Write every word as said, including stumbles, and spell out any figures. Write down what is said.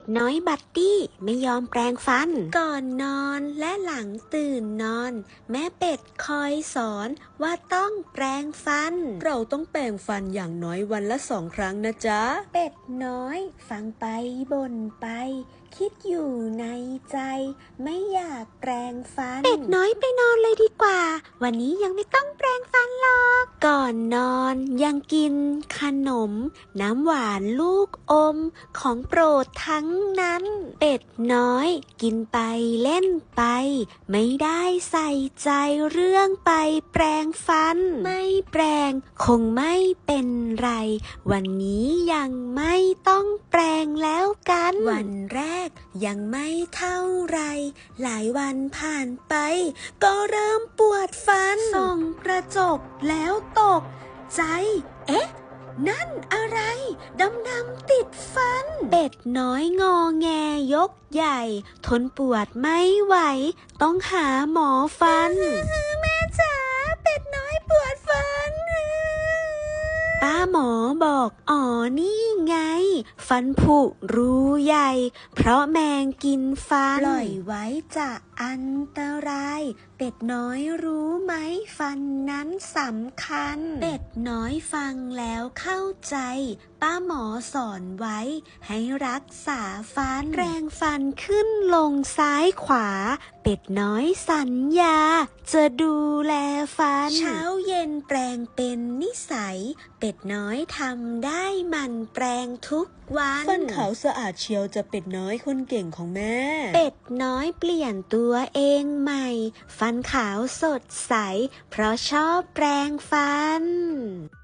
น้อยบัตตี้ไม่ยอมแปรงฟันก่อนนอนและหลังตื่นนอนแม่เป็ดคอยสอนว่าต้องแปรงฟันเราต้องแปรงฟันอย่างน้อยวันละสองครั้งนะจ๊ะเป็ดน้อยฟังไปบ่นไปคิดอยู่ในใจไม่อยากแปรงฟันเป็ดน้อยไปนอนเลยดีกว่าวันนี้ยังไม่ต้องแปรงฟันหรอกก่อนนอนยังกินขนมน้ำหวานลูกอมของโปรดทั้งนั้นเป็ดน้อยกินไปเล่นไปไม่ได้ใส่ใจเรื่องไปแปรงฟันไม่แปรงคงไม่เป็นไรวันนี้ยังไม่ต้องแปรงแล้วกันวันแรกยังไม่เท่าไรหลายวันผ่านไปก็เริ่มปวดฟันส่องกระจกแล้วตกใจเอ๊ะนั่นอะไรดำๆติดฟันเป็ดน้อยงอแงยกใหญ่ทนปวดไม่ไหวต้องหาหมอฟันแม่จ๋าเป็ดน้อยปวดฟันป้าหมอบอกอ๋อนี่ไงฟันผุรูใหญ่เพราะแมงกินฟันปล่อยไว้จะอันตรายเป็ดน้อยรู้ไหมฟันนั้นสำคัญเป็ดน้อยฟังแล้วเข้าใจป้าหมอสอนไว้ให้รักษาฟันแปรงฟันขึ้นลงซ้ายขวาเป็ดน้อยสัญญาจะดูแลฟันเช้าเย็นแปรงเป็นนิสัยเป็ดน้อยทำได้มันแปรงทุกวันฟันขาวสะอาดเชียวจะเป็ดน้อยคนเก่งของแม่เป็ดน้อยเปลี่ยนตัวเองใหม่ฟันขาวสดใสเพราะชอบแปรงฟัน